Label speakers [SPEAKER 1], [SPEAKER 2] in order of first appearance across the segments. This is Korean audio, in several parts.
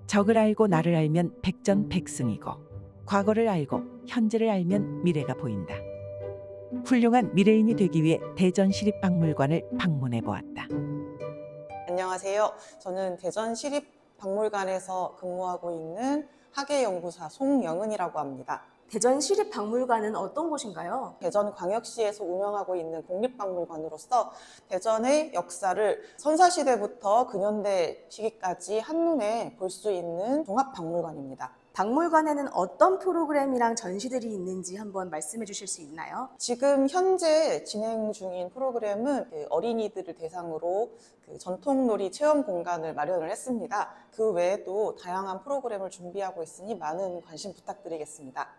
[SPEAKER 1] 적을 알고 나를 알면 백전백승이고 과거를 알고 현재를 알면 미래가 보인다. 훌륭한 미래인이 되기 위해 대전시립박물관을 방문해 보았다.
[SPEAKER 2] 안녕하세요. 저는 대전시립박물관에서 근무하고 있는 학예연구사 송영은이라고 합니다.
[SPEAKER 3] 대전시립박물관은 어떤 곳인가요?
[SPEAKER 2] 대전광역시에서 운영하고 있는 국립박물관으로서 대전의 역사를 선사시대부터 근현대 시기까지 한눈에 볼 수 있는 종합박물관입니다.
[SPEAKER 3] 박물관에는 어떤 프로그램이랑 전시들이 있는지 한번 말씀해 주실 수 있나요?
[SPEAKER 2] 지금 현재 진행 중인 프로그램은 어린이들을 대상으로 전통놀이 체험 공간을 마련을 했습니다. 그 외에도 다양한 프로그램을 준비하고 있으니 많은 관심 부탁드리겠습니다.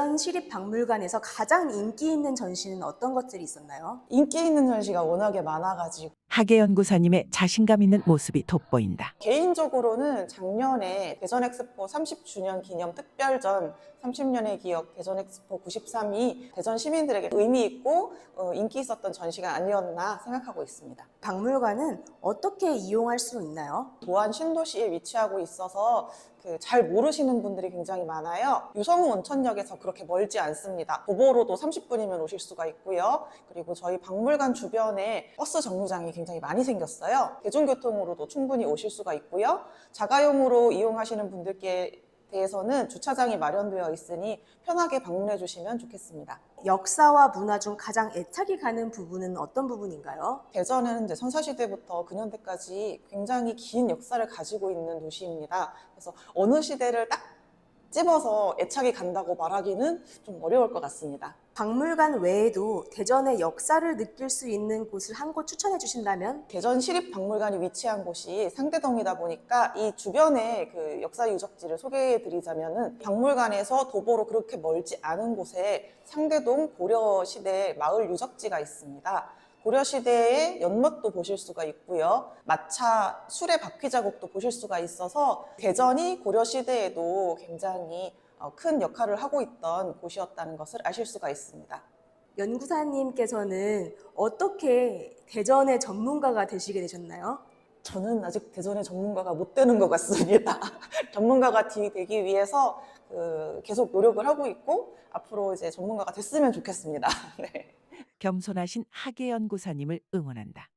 [SPEAKER 3] 대전시립박물관에서 가장 인기 있는 전시는 어떤 것들이 있었나요?
[SPEAKER 2] 인기 있는 전시가 워낙에 많아가지고
[SPEAKER 1] 학예연구사님의 자신감 있는 모습이 돋보인다.
[SPEAKER 2] 개인적으로는 작년에 대전엑스포 30주년 기념 특별전 30년의 기억 대전엑스포 93이 대전 시민들에게 의미 있고 인기 있었던 전시가 아니었나 생각하고 있습니다.
[SPEAKER 3] 박물관은 어떻게 이용할 수 있나요?
[SPEAKER 2] 도안 신도시에 위치하고 있어서 잘 모르시는 분들이 굉장히 많아요. 유성우 온천역에서 그렇게 멀지 않습니다. 도보로도 30분이면 오실 수가 있고요. 그리고 저희 박물관 주변에 버스 정류장이 굉장히 많이 생겼어요. 대중교통으로도 충분히 오실 수가 있고요. 자가용으로 이용하시는 분들께 대해서는 주차장이 마련되어 있으니 편하게 방문해 주시면 좋겠습니다.
[SPEAKER 3] 역사와 문화 중 가장 애착이 가는 부분은 어떤 부분인가요?
[SPEAKER 2] 대전은 이제 선사시대부터 근현대까지 굉장히 긴 역사를 가지고 있는 도시입니다. 그래서 어느 시대를 딱 집어서 애착이 간다고 말하기는 좀 어려울 것 같습니다.
[SPEAKER 3] 박물관 외에도 대전의 역사를 느낄 수 있는 곳을 한 곳 추천해 주신다면?
[SPEAKER 2] 대전시립박물관이 위치한 곳이 상대동이다 보니까 이 주변의 역사 유적지를 소개해 드리자면은 박물관에서 도보로 그렇게 멀지 않은 곳에 상대동 고려시대 마을 유적지가 있습니다. 고려시대의 연못도 보실 수가 있고요. 마차 수레 바퀴 자국도 보실 수가 있어서 대전이 고려시대에도 굉장히 큰 역할을 하고 있던 곳이었다는 것을 아실 수가 있습니다.
[SPEAKER 3] 연구사님께서는 어떻게 대전의 전문가가 되시게 되셨나요?
[SPEAKER 2] 저는 아직 대전의 전문가가 못 되는 것 같습니다. 전문가가 되기 위해서 계속 노력을 하고 있고 앞으로 이제 전문가가 됐으면 좋겠습니다. 네.
[SPEAKER 1] 겸손하신 학예연구사님을 응원한다.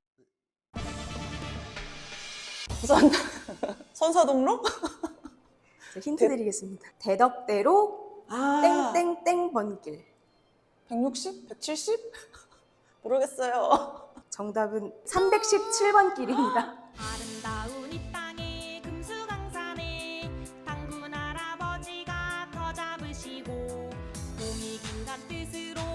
[SPEAKER 2] 우선 선사동로?
[SPEAKER 3] 힌트 드리겠습니다. 대덕대로 땡땡땡 번길.
[SPEAKER 2] 160? 170? 모르겠어요.
[SPEAKER 3] 정답은 317번 길입니다.
[SPEAKER 4] 아름다운 이 땅에 금수강산에 당군 할아버지가 터 잡으시고 봄이 긴간 뜻으로